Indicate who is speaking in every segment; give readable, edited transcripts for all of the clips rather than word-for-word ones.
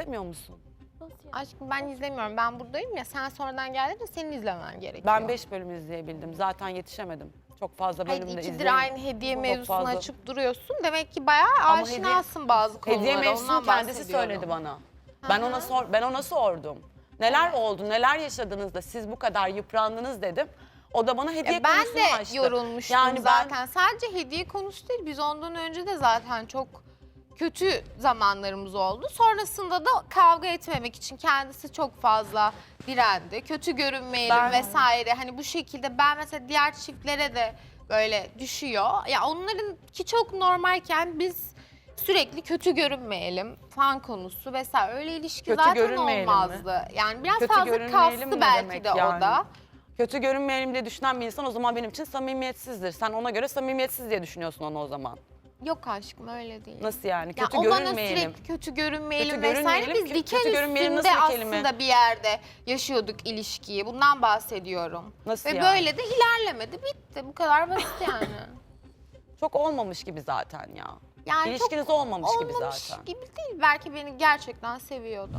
Speaker 1: izlemiyor musun?
Speaker 2: Aşkım ben izlemiyorum. Ben buradayım ya. Sen sonradan geldin de senin izlemen gerekiyor.
Speaker 1: Ben 5 bölüm izleyebildim. Zaten yetişemedim. Çok fazla
Speaker 2: Hayır,
Speaker 1: bölüm de
Speaker 2: ikidir
Speaker 1: izleyemedim.
Speaker 2: aynı hediye
Speaker 1: Çok
Speaker 2: mevzusunu
Speaker 1: fazla.
Speaker 2: açıp duruyorsun. Demek ki bayağı
Speaker 1: Ama
Speaker 2: aşinasın bazı konulara.
Speaker 1: Hediye mevzusunu
Speaker 2: Ondan
Speaker 1: kendisi
Speaker 2: bahsediyorum.
Speaker 1: söyledi bana. Ben ona sordum. Neler oldu, neler yaşadınız da siz bu kadar yıprandınız dedim. O da bana hediye
Speaker 2: Ben
Speaker 1: konusunu
Speaker 2: de
Speaker 1: açtı.
Speaker 2: yorulmuştum
Speaker 1: Yani
Speaker 2: zaten. Sadece hediye konusu değil. Biz ondan önce de zaten çok kötü zamanlarımız oldu. Sonrasında da kavga etmemek için kendisi çok fazla direndi. Kötü görünmeyelim vesaire. Hani bu şekilde ben mesela diğer çiftlere de böyle düşüyor. Ya onlarınki çok normalken biz sürekli kötü görünmeyelim fan konusu vesaire. Öyle ilişki
Speaker 1: Kötü
Speaker 2: zaten
Speaker 1: görünmeyelim
Speaker 2: olmazdı. Yani biraz
Speaker 1: Kötü
Speaker 2: fazla
Speaker 1: görünmeyelim
Speaker 2: kastı
Speaker 1: ne
Speaker 2: belki
Speaker 1: demek
Speaker 2: de
Speaker 1: yani?
Speaker 2: o da.
Speaker 1: Kötü görünmeyelim diye düşünen bir insan o zaman benim için samimiyetsizdir. Sen ona göre samimiyetsiz diye düşünüyorsun onu o zaman.
Speaker 2: Yok aşkım öyle değil.
Speaker 1: Nasıl yani?
Speaker 2: Ya
Speaker 1: Kötü
Speaker 2: o bana
Speaker 1: görünmeyelim.
Speaker 2: sürekli kötü görünmeyelim
Speaker 1: Kötü
Speaker 2: vesaire.
Speaker 1: görünmeyelim,
Speaker 2: Biz diken
Speaker 1: kötü görünmeyelim
Speaker 2: üstünde
Speaker 1: nasıl bir kelime?
Speaker 2: aslında bir yerde yaşıyorduk ilişkiyi. Bundan bahsediyorum.
Speaker 1: Nasıl
Speaker 2: Ve
Speaker 1: yani?
Speaker 2: böyle de ilerlemedi. Bitti. Bu kadar basit yani.
Speaker 1: Çok olmamış gibi zaten ya.
Speaker 2: Yani
Speaker 1: İlişkiniz
Speaker 2: çok
Speaker 1: olmamış gibi zaten.
Speaker 2: gibi değil. Belki beni gerçekten seviyordu.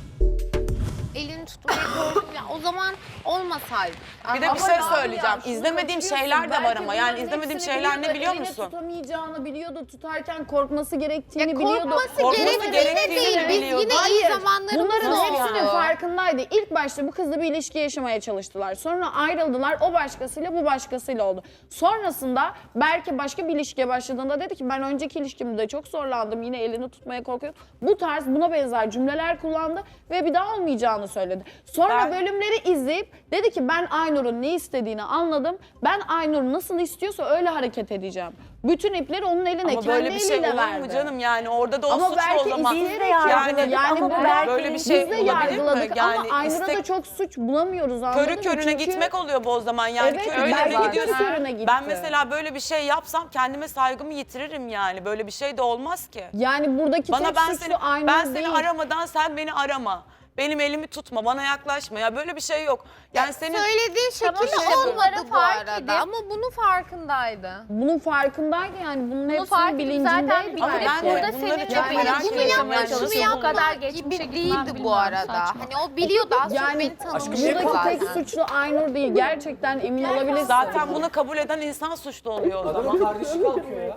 Speaker 2: Elini tutmayı korktum. Ya o zaman olmasaydı.
Speaker 1: Bir de bir şey söyleyeceğim. İzlemediğim şeyler de var ama. Yani izlemediğim şeyler ne biliyor musun?
Speaker 3: Tutamayacağını biliyordu. Tutarken korkması gerektiğini
Speaker 2: Ya
Speaker 3: biliyordu.
Speaker 2: korkması gerektiğini değil. Biz
Speaker 1: biliyordu.
Speaker 2: yine
Speaker 3: Hayır,
Speaker 2: iyi zamanlarımız
Speaker 3: bunların
Speaker 2: oldu.
Speaker 3: hepsinin farkındaydı. İlk başta bu kızla bir ilişki yaşamaya çalıştılar. Sonra ayrıldılar. O başkasıyla bu başkasıyla oldu. Sonrasında Berke başka bir ilişkiye başladığında dedi ki ben önceki ilişkimde çok zorlandım. Yine elini tutmaya korkuyorum. Bu tarz buna benzer cümleler kullandı ve bir daha olmayacağını söyledi. Sonra bölümleri izleyip dedi ki ben Aynur'un ne istediğini anladım. Ben Aynur nasıl istiyorsa öyle hareket edeceğim. Bütün ipleri onun eline
Speaker 1: Ama
Speaker 3: kendi
Speaker 1: böyle bir şey
Speaker 3: eliyle
Speaker 1: olur
Speaker 3: verdi.
Speaker 1: mu canım? Yani orada da o
Speaker 3: Ama
Speaker 1: suçlu
Speaker 3: belki
Speaker 1: o zaman.
Speaker 3: izleyerek
Speaker 1: Yani,
Speaker 3: yani
Speaker 1: ama
Speaker 3: belki
Speaker 1: böyle bir şey
Speaker 3: biz de
Speaker 1: olabilir mi?
Speaker 3: yargıladık
Speaker 1: Yani
Speaker 3: ama Aynur'a da çok suç bulamıyoruz anladın
Speaker 1: körü
Speaker 3: mı?
Speaker 1: körüne
Speaker 3: Çünkü-
Speaker 1: gitmek oluyor bu o zaman. Yani
Speaker 3: Evet,
Speaker 1: körüne
Speaker 3: belki
Speaker 1: de
Speaker 3: de
Speaker 1: gidiyorsun.
Speaker 3: körü körüne gitti.
Speaker 1: Ben mesela böyle bir şey yapsam kendime saygımı yitiririm yani. Böyle bir şey de olmaz ki.
Speaker 3: Yani buradaki
Speaker 1: Bana
Speaker 3: tek
Speaker 1: ben
Speaker 3: suçlu
Speaker 1: seni
Speaker 3: Aynur
Speaker 1: ben
Speaker 3: değil.
Speaker 1: seni aramadan sen beni arama. Benim elimi tutma, bana yaklaşma. Ya böyle bir şey yok. Yani senin
Speaker 2: Söylediği şekilde
Speaker 4: şey
Speaker 2: olmadı bu
Speaker 4: fark
Speaker 2: arada.
Speaker 4: edip-
Speaker 2: Ama bunun farkındaydı.
Speaker 3: Bunun farkındaydı yani bunun
Speaker 4: Bunu
Speaker 3: hepsinin
Speaker 4: fark edip zaten
Speaker 3: bilincindeydi.
Speaker 4: bir
Speaker 1: Ama
Speaker 4: kere
Speaker 1: ben de
Speaker 4: burada
Speaker 1: bunları
Speaker 4: senin
Speaker 1: çok
Speaker 4: de
Speaker 1: merak
Speaker 4: bunu
Speaker 1: ediyorum.
Speaker 4: yapmaya
Speaker 1: Yani
Speaker 4: çalışıyor.
Speaker 1: nasıl
Speaker 4: Bu kadar
Speaker 2: gibi
Speaker 4: geçmişe gitmem
Speaker 2: değildi bu
Speaker 4: bilmiyorum,
Speaker 2: arada.
Speaker 4: saçma.
Speaker 2: Hani o biliyordu az çok
Speaker 3: Yani
Speaker 2: beni tanımıştı
Speaker 3: buradaki
Speaker 2: zaten.
Speaker 3: tek suçlu Aynur değil. Gerçekten emin olabilirsin.
Speaker 1: zaten bunu kabul eden insan suçlu oluyor o zaman.
Speaker 5: Kardeşi kalkıyor ya.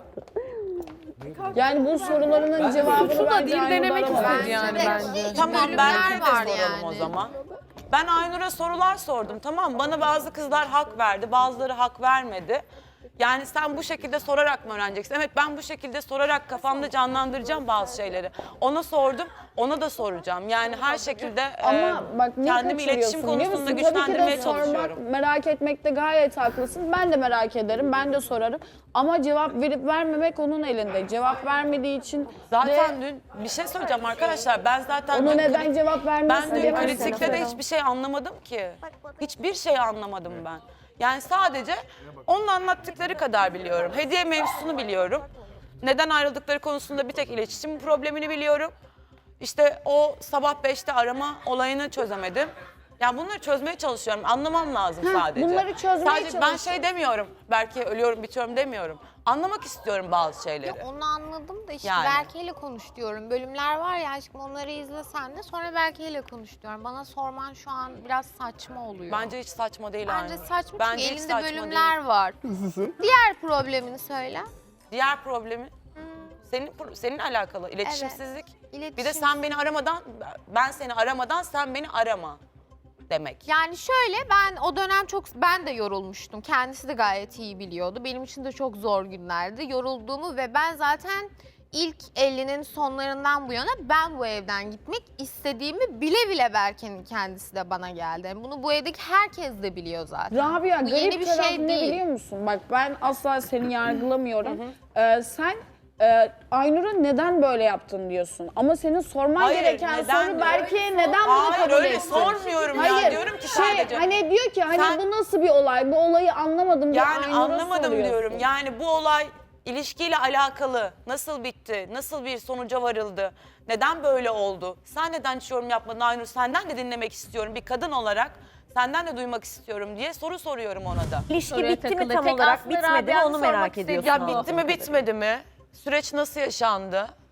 Speaker 3: Yani bu sorularının cevabını bence Aynur'da
Speaker 6: denemek
Speaker 3: aramaz.
Speaker 6: istedi yani bence.
Speaker 1: Tamam
Speaker 2: Bölümler
Speaker 1: belki de
Speaker 2: var
Speaker 1: soralım
Speaker 2: yani.
Speaker 1: o zaman. Ben Aynur'a sorular sordum tamam mı? Bana bazı kızlar hak verdi, bazıları hak vermedi. Yani sen bu şekilde sorarak mı öğreneceksin? Evet ben bu şekilde sorarak kafamda canlandıracağım bazı şeyleri. Ona sordum, ona da soracağım. Yani her şekilde
Speaker 3: Ama bak ne
Speaker 1: kendimi iletişim
Speaker 3: kaçırıyorsun biliyor
Speaker 1: konusunda
Speaker 3: musun? Tabii ki
Speaker 1: güçlendirmeye
Speaker 3: de sormak,
Speaker 1: çalışıyorum.
Speaker 3: merak etmekte gayet haklısın. Ben de merak ederim, ben de sorarım. Ama cevap verip vermemek onun elinde. Cevap vermediği için
Speaker 1: Zaten
Speaker 3: de
Speaker 1: dün bir şey söyleyeceğim arkadaşlar. Ben zaten
Speaker 3: onu
Speaker 1: dün
Speaker 3: neden cevap vermiyorsun
Speaker 1: ben dün
Speaker 3: diyemezsin.
Speaker 1: kritikte de hiçbir şey anlamadım ki. Hiçbir şey anlamadım ben. Yani sadece onun anlattıkları kadar biliyorum. Hediye mevzusunu biliyorum. Neden ayrıldıkları konusunda bir tek iletişim problemini biliyorum. İşte o sabah 5'te arama olayını çözemedim. Yani bunları çözmeye çalışıyorum. Anlamam lazım sadece.
Speaker 3: bunları çözmeye
Speaker 1: sadece ben
Speaker 3: çalış.
Speaker 1: şey demiyorum. Belki ölüyorum bitiyorum demiyorum. Anlamak istiyorum bazı şeyleri.
Speaker 2: Onu anladım da işte
Speaker 1: Yani.
Speaker 2: Berke'yle konuş diyorum. Bölümler var ya aşkım onları izlesen de sonra Berke'yle konuş diyorum. Bana sorman şu an biraz saçma oluyor.
Speaker 1: Bence hiç saçma değil
Speaker 2: Bence
Speaker 1: Aynur.
Speaker 2: saçma
Speaker 1: Bence
Speaker 2: çünkü
Speaker 1: hiç
Speaker 2: elinde
Speaker 1: saçma
Speaker 2: bölümler
Speaker 1: değil.
Speaker 2: var. Diğer problemini söyle.
Speaker 1: Diğer problemi senin alakalı iletişimsizlik.
Speaker 2: İletişim.
Speaker 1: Bir de sen beni aramadan ben seni aramadan sen beni arama demek.
Speaker 2: Yani şöyle ben o dönem ben de yorulmuştum. Kendisi de gayet iyi biliyordu. Benim için de çok zor günlerdi. Yorulduğumu ve ben zaten ilk 50'nin sonlarından bu yana ben bu evden gitmek istediğimi bile bile Berke'nin kendisi de bana geldi. Yani bunu bu evdeki herkes de biliyor zaten.
Speaker 3: Rabia
Speaker 2: Bu
Speaker 3: garip
Speaker 2: yeni bir
Speaker 3: taraf
Speaker 2: şey
Speaker 3: ne
Speaker 2: değil.
Speaker 3: biliyor musun? Bak ben asla seni yargılamıyorum. Sen Aynur'a neden böyle yaptın diyorsun. Ama senin sorman
Speaker 1: Hayır,
Speaker 3: gereken
Speaker 1: neden
Speaker 3: soru
Speaker 1: diyor?
Speaker 3: Berke'ye neden bunu
Speaker 1: Hayır
Speaker 3: kabul
Speaker 1: öyle
Speaker 3: ettin?
Speaker 1: sormuyorum
Speaker 3: Hayır,
Speaker 1: ya diyorum ki sadece.
Speaker 3: Hani diyor ki hani
Speaker 1: Sen-
Speaker 3: bu nasıl bir olay? Bu olayı anlamadım diye
Speaker 1: Yani
Speaker 3: Aynur'a
Speaker 1: anlamadım
Speaker 3: soruyorsun.
Speaker 1: diyorum. Yani bu olay ilişkiyle alakalı nasıl bitti? Nasıl bir sonuca varıldı? Neden böyle oldu? Sen neden hiç yorum yapmadın Aynur? Senden de dinlemek istiyorum bir kadın olarak. Senden de duymak istiyorum diye soru soruyorum ona da.
Speaker 7: İlişki
Speaker 4: Soruya
Speaker 7: bitti mi
Speaker 4: takıldı.
Speaker 7: tam
Speaker 4: Tek
Speaker 7: olarak
Speaker 4: aslında
Speaker 7: bitmedi mi
Speaker 4: Rabia'nın
Speaker 7: onu merak
Speaker 4: sormak
Speaker 7: ediyorsun.
Speaker 4: istediği
Speaker 1: Ya bitti mi bitmedi mi? Süreç nasıl yaşandı?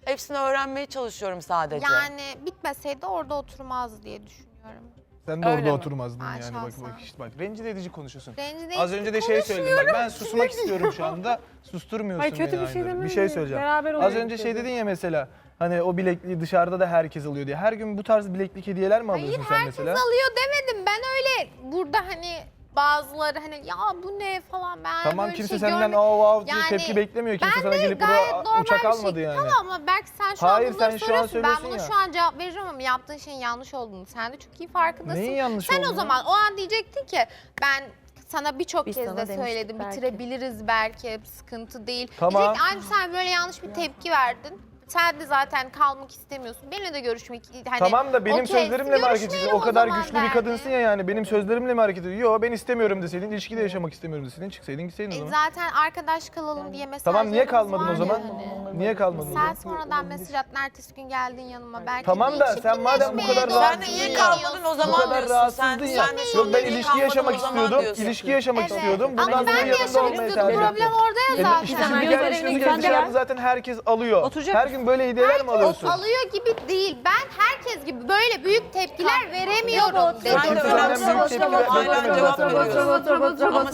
Speaker 1: Hepsini öğrenmeye çalışıyorum sadece.
Speaker 2: Yani bitmeseydi orada oturmazdı diye düşünüyorum.
Speaker 4: Sen de
Speaker 1: Öyle
Speaker 4: orada
Speaker 1: mi?
Speaker 4: oturmazdın
Speaker 2: Ben
Speaker 4: yani bak
Speaker 2: şahsen.
Speaker 4: işte bak rencide edici konuşuyorsun.
Speaker 2: Rencide
Speaker 4: Az
Speaker 2: edici
Speaker 4: önce de şey söyledim bak ben susmak istiyorum şu anda. Susturmuyorsun
Speaker 5: Hayır, kötü
Speaker 4: beni
Speaker 5: bir şey
Speaker 4: Aynur.
Speaker 5: demedim
Speaker 4: Bir şey
Speaker 5: de,
Speaker 4: söyleyeceğim.
Speaker 5: beraber
Speaker 4: Az
Speaker 5: olalım
Speaker 4: önce şey
Speaker 5: dedim.
Speaker 4: dedin ya mesela hani o bilekliği dışarıda da herkes alıyor diye. Her gün bu tarz bileklik hediyeler mi
Speaker 2: Hayır
Speaker 4: alıyorsun sen
Speaker 2: herkes
Speaker 4: mesela?
Speaker 2: alıyor demedim. Ben öyle burada hani bazıları hani ya bu ne falan ben
Speaker 4: Tamam
Speaker 2: böyle
Speaker 4: kimse
Speaker 2: şey
Speaker 4: senden
Speaker 2: görmedim.
Speaker 4: av diye
Speaker 2: Yani
Speaker 4: tepki beklemiyor. Kimse
Speaker 2: Ben
Speaker 4: sana
Speaker 2: de
Speaker 4: gelip
Speaker 2: gayet
Speaker 4: burada
Speaker 2: normal
Speaker 4: uçak
Speaker 2: bir
Speaker 4: almadı
Speaker 2: şey.
Speaker 4: yani.
Speaker 2: Tamam ama belki sen şu
Speaker 4: Hayır,
Speaker 2: an bunları
Speaker 4: sen şu an
Speaker 2: soruyorsun. Ben
Speaker 4: söylüyorsun
Speaker 2: bunu
Speaker 4: ya.
Speaker 2: şu an cevap veririm ama yaptığın şeyin yanlış olduğunu sen de çok iyi farkındasın.
Speaker 4: Neyin yanlış
Speaker 2: Sen o
Speaker 4: olduğunu?
Speaker 2: zaman o an diyecektin ki ben sana birçok
Speaker 5: Biz
Speaker 2: kez
Speaker 5: sana
Speaker 2: de
Speaker 5: demiştik
Speaker 2: söyledim
Speaker 5: belki.
Speaker 2: bitirebiliriz belki sıkıntı değil.
Speaker 4: Tamam.
Speaker 2: Diyecektin aynı sen böyle yanlış bir tepki verdin. Sen de zaten kalmak istemiyorsun. Benimle de görüşmek hani
Speaker 4: Tamam da benim
Speaker 2: okey,
Speaker 4: sözlerimle mi hareket ediyorsun?
Speaker 2: görüşmeyelim
Speaker 4: O kadar
Speaker 2: zaman
Speaker 4: güçlü bir
Speaker 2: derdi.
Speaker 4: kadınsın ya yani. Benim sözlerimle mi hareket ediyorsun? Yo ben istemiyorum deseydin, ilişkide yaşamak istemiyorum deseydin, çıksaydın gitseydin o zaman.
Speaker 2: Zaten arkadaş kalalım diye mesajlarımız
Speaker 4: Tamam niye kalmadın o
Speaker 2: var
Speaker 4: zaman?
Speaker 2: yani.
Speaker 4: Niye kalmadın o
Speaker 2: Sen
Speaker 4: zaman?
Speaker 2: sonradan mesaj attın, ertesi gün geldin yanıma. Belki
Speaker 4: Tamam
Speaker 2: bir
Speaker 4: da sen madem bu kadar
Speaker 2: çirkinleşmeye
Speaker 4: rahat-
Speaker 1: Sen de
Speaker 2: doğru
Speaker 1: niye
Speaker 2: gidiyorsun.
Speaker 1: kalmadın o
Speaker 4: Bu
Speaker 1: zaman
Speaker 4: kadar
Speaker 1: diyorsun.
Speaker 4: rahatsızdın ya.
Speaker 1: Sen de
Speaker 4: Yok ben
Speaker 1: niye
Speaker 4: ilişki
Speaker 1: kalmadın
Speaker 4: yaşamak
Speaker 1: o zaman
Speaker 4: istiyordum.
Speaker 1: diyorsun.
Speaker 4: İlişki yaşamak istiyordum.
Speaker 2: Ama
Speaker 4: Bundan sonra
Speaker 2: ben de
Speaker 4: yanında
Speaker 2: yaşamak
Speaker 4: olmayı
Speaker 2: istiyordum.
Speaker 4: tercih
Speaker 2: Problem
Speaker 4: ettim.
Speaker 2: orada ya zaten.
Speaker 4: İşte
Speaker 5: Sen
Speaker 4: şimdi
Speaker 5: gözlerine
Speaker 4: gelmişsin
Speaker 5: güzel
Speaker 4: dışarıda
Speaker 5: ya.
Speaker 4: zaten herkes alıyor.
Speaker 5: Oturacak
Speaker 4: Her gün böyle hediyeler mi alıyorsun?
Speaker 2: Alıyor gibi değil. Ben herkes gibi böyle büyük tepkiler veremiyorum
Speaker 1: Sen de
Speaker 4: Kimse
Speaker 2: dedim.
Speaker 4: senden
Speaker 1: önemsiz
Speaker 4: büyük tepki
Speaker 1: hala cevap veriyorsun. Ama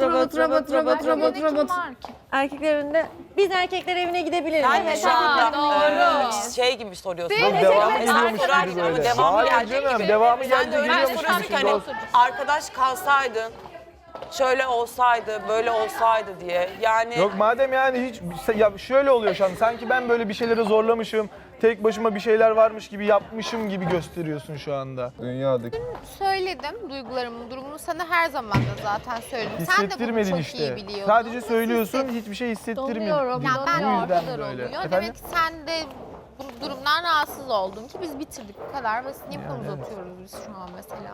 Speaker 1: sen
Speaker 5: Erkeklerinde biz erkekler evine gidebiliriz.
Speaker 1: sen de şu anda şey gibi soruyorsun.
Speaker 4: Yok devamı
Speaker 1: Sen
Speaker 4: geliyormuş
Speaker 1: sorarken
Speaker 4: gibi
Speaker 1: ama
Speaker 4: böyle.
Speaker 1: devamı
Speaker 4: Hayır
Speaker 1: gelecek
Speaker 4: canım
Speaker 1: gibi.
Speaker 4: devamı
Speaker 1: Sen de
Speaker 4: gelince
Speaker 1: öyle
Speaker 4: geliyormuş
Speaker 1: soruyorsun
Speaker 4: gibi.
Speaker 1: ki hani arkadaş kalsaydın, şöyle olsaydı, böyle olsaydı diye. Yani
Speaker 4: Yok madem yani hiç ya şöyle oluyor şu an sanki ben böyle bir şeyleri zorlamışım, tek başıma bir şeyler varmış gibi yapmışım gibi gösteriyorsun şu anda. Dünyadaki.
Speaker 2: Söyledim duygularımın durumunu sana her zaman da zaten söyledim. Sen de bunu
Speaker 4: Hissettirmedin
Speaker 2: çok
Speaker 4: işte.
Speaker 2: iyi biliyordun.
Speaker 4: Sadece söylüyorsun, hiçbir şey hissettirmedin.
Speaker 5: Donuyorum.
Speaker 2: Ya ben
Speaker 4: Bu
Speaker 2: o
Speaker 4: yüzden
Speaker 2: kadar
Speaker 4: böyle.
Speaker 2: oluyor.
Speaker 4: Efendim?
Speaker 2: Demek ki sen de bu durumdan rahatsız oldun ki biz bitirdik bu kadar basit. Niye bu kadar uzatıyoruz biz şu an mesela?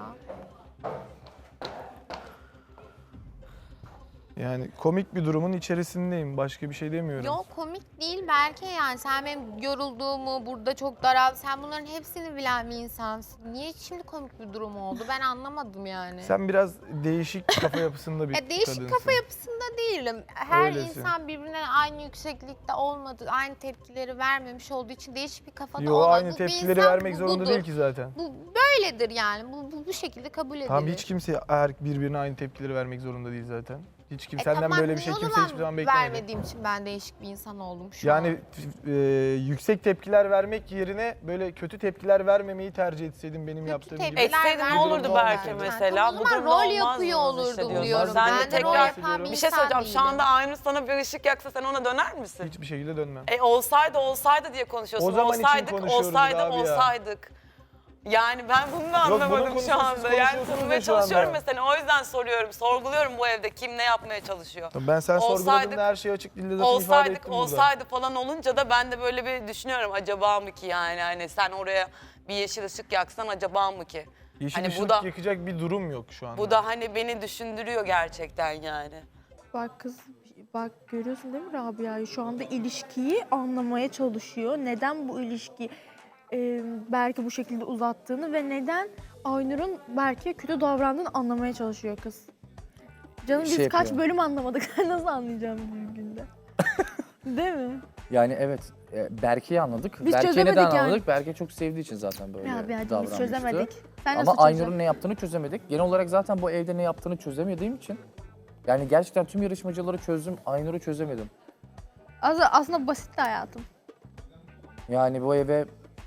Speaker 4: Yani komik bir durumun içerisindeyim. Başka bir şey demiyorum.
Speaker 2: Yok komik değil belki yani sen benim yorulduğumu burada çok daral sen bunların hepsini bilen bir insansın. Niye şimdi komik bir durum oldu ben anlamadım yani.
Speaker 4: Sen biraz değişik kafa yapısında bir
Speaker 2: Değişik
Speaker 4: kadınsın.
Speaker 2: kafa yapısında değilim. Her
Speaker 4: Öylesin.
Speaker 2: insan birbirine aynı yükseklikte olmadı, aynı tepkileri vermemiş olduğu için değişik bir kafada
Speaker 4: Yo
Speaker 2: olmaz.
Speaker 4: aynı
Speaker 2: Bu bir
Speaker 4: tepkileri
Speaker 2: insan,
Speaker 4: vermek
Speaker 2: bu
Speaker 4: zorunda
Speaker 2: budur.
Speaker 4: değil ki zaten.
Speaker 2: Bu böyledir yani. Bu şekilde kabul edilir.
Speaker 4: Tamam hiç kimse birbirine aynı tepkileri vermek zorunda değil zaten. Hiç kim senden
Speaker 2: tamam,
Speaker 4: böyle bir şey
Speaker 2: niye o
Speaker 4: kimse hiçbir zaman beklemedi.
Speaker 2: vermediğim için ben değişik bir insan oldum şu
Speaker 4: Yani
Speaker 2: an.
Speaker 4: yüksek tepkiler vermek yerine böyle kötü tepkiler vermemeyi tercih etseydin benim yaptığım gibi.
Speaker 2: tepkiler
Speaker 1: etseydin ne
Speaker 2: vermedim
Speaker 1: olurdu
Speaker 4: olmaz
Speaker 1: belki
Speaker 4: yani.
Speaker 1: mesela?
Speaker 2: O
Speaker 1: Bu
Speaker 2: zaman
Speaker 1: durumda
Speaker 2: rol
Speaker 1: olmaz
Speaker 2: yapıyor
Speaker 1: mı
Speaker 2: olurdum
Speaker 1: hissediyorsun?
Speaker 2: diyorum.
Speaker 1: Sen de
Speaker 2: Ben de rol
Speaker 1: tekrar
Speaker 2: yapan bir
Speaker 1: bir şey
Speaker 2: insan
Speaker 1: söyleyeceğim. Şu
Speaker 2: değilim.
Speaker 1: anda Aynur sana bir ışık yaksa sen ona döner misin?
Speaker 4: Hiçbir şekilde dönmem.
Speaker 1: Olsaydı diye konuşuyorsun.
Speaker 4: O zaman için konuşuyoruz abi ya.
Speaker 1: Olsaydık. Yani ben bunu da
Speaker 4: Yok, bunun
Speaker 1: anlamadım
Speaker 4: konusunu
Speaker 1: şu
Speaker 4: siz
Speaker 1: anda. Yani
Speaker 4: konuşuyorsunuz
Speaker 1: tanımaya
Speaker 4: da şu anda.
Speaker 1: çalışıyorum mesela. O yüzden soruyorum. Sorguluyorum bu evde kim ne yapmaya çalışıyor.
Speaker 4: Ben sen sorguladığında
Speaker 1: Olsaydık-
Speaker 4: her şeyi açık dilde zaten ifade ettim burada.
Speaker 1: Olsaydı falan olunca da ben de böyle bir düşünüyorum. Acaba mı ki yani hani sen oraya bir yeşil ışık yaksan acaba mı ki?
Speaker 4: Yeşil
Speaker 1: hani
Speaker 4: ışık
Speaker 1: bu da
Speaker 4: yakacak bir durum yok şu anda.
Speaker 1: bu da hani beni düşündürüyor gerçekten yani.
Speaker 6: Bak kız, bak görüyorsun değil mi Rabia'yı? Şu anda ilişkiyi anlamaya çalışıyor. Neden bu ilişki belki bu şekilde uzattığını ve neden Aynur'un belki kötü davrandığını anlamaya çalışıyor kız. Canım biz
Speaker 7: Şey
Speaker 6: kaç
Speaker 7: yapıyor.
Speaker 6: bölüm anlamadık. Nasıl anlayacağım bir günde? Değil mi?
Speaker 7: Yani evet, Berke'yi anladık.
Speaker 6: Biz
Speaker 7: Berke'yi
Speaker 6: çözemedik
Speaker 7: neden
Speaker 6: yani.
Speaker 7: anladık? Berke çok sevdiği için zaten böyle
Speaker 6: Ya bir hadi biz
Speaker 7: davranmıştı.
Speaker 6: çözemedik. Sen
Speaker 7: Ama
Speaker 6: nasıl
Speaker 7: Aynur'un
Speaker 6: çözeceksin?
Speaker 7: ne yaptığını çözemedik. Genel olarak zaten bu evde ne yaptığını çözemediğim için. Yani gerçekten tüm yarışmacıları çözdüm, Aynur'u çözemedim.
Speaker 6: Aslında basitti hayatım.
Speaker 7: Yani bu eve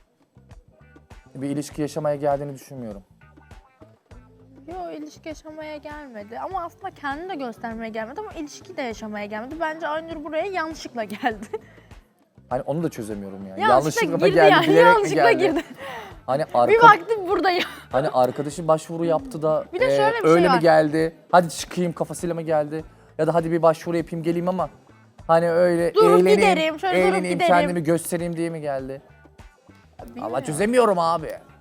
Speaker 7: bir ilişki yaşamaya geldiğini düşünmüyorum.
Speaker 6: Yo ilişki yaşamaya gelmedi ama aslında kendini de göstermeye gelmedi ama ilişki de yaşamaya gelmedi. Bence Aynur buraya yanlışlıkla geldi.
Speaker 7: Hani onu da çözemiyorum yani.
Speaker 6: Yanlışlıkla
Speaker 7: mı
Speaker 6: girdi
Speaker 7: geldi,
Speaker 6: yani,
Speaker 7: bilerek mi
Speaker 6: yanlışlıkla
Speaker 7: geldi?
Speaker 6: girdi.
Speaker 7: Hani
Speaker 6: Bir baktım buradayım.
Speaker 7: Hani arkadaşı başvuru yaptı da
Speaker 6: Bir de şöyle bir şey
Speaker 7: öyle mi
Speaker 6: var.
Speaker 7: geldi? Hadi çıkayım kafasıyla mı geldi? Ya da hadi bir başvuru yapayım geleyim ama hani öyle
Speaker 6: Durup
Speaker 7: eğleneyim,
Speaker 6: giderim, şöyle durup
Speaker 7: eğleneyim,
Speaker 6: giderim.
Speaker 7: kendimi göstereyim diye mi geldi? Allah çözemiyorum abi.